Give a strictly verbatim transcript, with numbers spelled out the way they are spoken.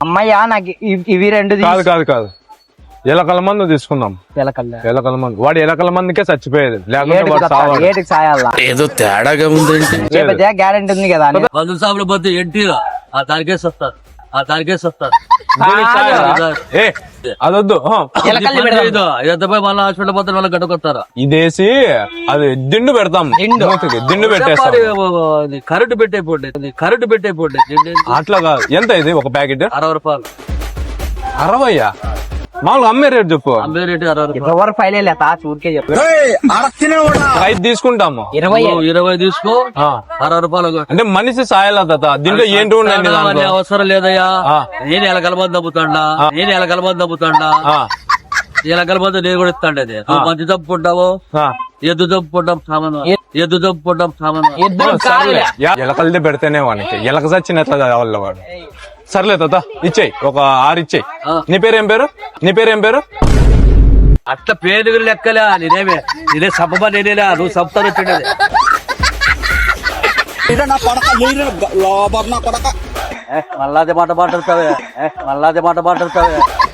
అమ్మయ్యా నాకు ఇవ్- ఇవి రెండు కాదు కాదు కాదు ఎలకల మందు తీసుకుందాం. పిలకల్లా ఎలకల మందు వాడు ఎలకల మందుకే చచ్చిపోయేది, లేకుంటే వాడు సావాడు. ఏటికి సాయాలా ఏదో తేడాగా ఉందేంటి. గ్యారెంటీ ఉంది కదా అని. మందు సాపులు పోతే ఎంటీగా ఆ దానికేసి వస్తారు ఆ దానికేసి వస్తారు దీనికి సాయాలా? ఏ అదొద్దు. ఆ. పిలకల్ని పెడదాం. ఇదంతా పోయి మళ్ళీ హాస్పిటల్ పోతే వాళ్ళకి గడ్డకొస్తారా ఇదేసి అది దిండు పెడతాం. మూతికి దిండు పెట్టేస్తాం. కరెంటు పెట్టయిపోండి కరెంటు పెట్టయిపోండి అట్లా కాదు. ఎంత ఇది ఒక ప్యాకెట్? అరవై రూపాయలు అరవయ్యా? మామూలుగా అమ్మే రేట్ చెప్పు. అమ్మే రేటు అరవై రూపాయలు ఎవరు ఫైల్ లేదా ఊరికే చెప్పు. ఐదు తీసుకుంటాము. ఇరవై నువ్వు ఇరవై తీసుకో ఆ. అరవై రూపాయలు అంటే మనిషి సాయాల తాత. దీంట్లో ఏంటి ఉండండి అనే అవసరం లేదయ్యా. ఆ. నేను ఎలా కలబంది నమ్ముతాడా నేను ఎలా కలబంది నమ్ముతాడా ఇలా కలబంది నేను కూడా ఇస్తాండి. అది నువ్వు మంచి తప్పుకుంటావు ఎద్దు తప్పుకుంటాం సామాను ఎద్దు తప్పుకుంటాం సామాను సర్లే ఎలకలది పెడితేనే వానికి ఎలక చచ్చినట్ల కావాలి వాడు. సర్లే తాత ఇచ్చేయి, ఒక ఆరు ఇచ్చేయి. ఆ. నీ పేరు ఏం పేరు? నీ పేరు ఏం పేరు? అట్లా పేరు లెక్కలే నేనేమే నేనే సబ్బా నేనేలా నువ్వు సబ్తాను వచ్చిండేది మళ్ళా అదే మాట మాట్లాడతావే మళ్ళా అదే మాట మాట్లాడతావే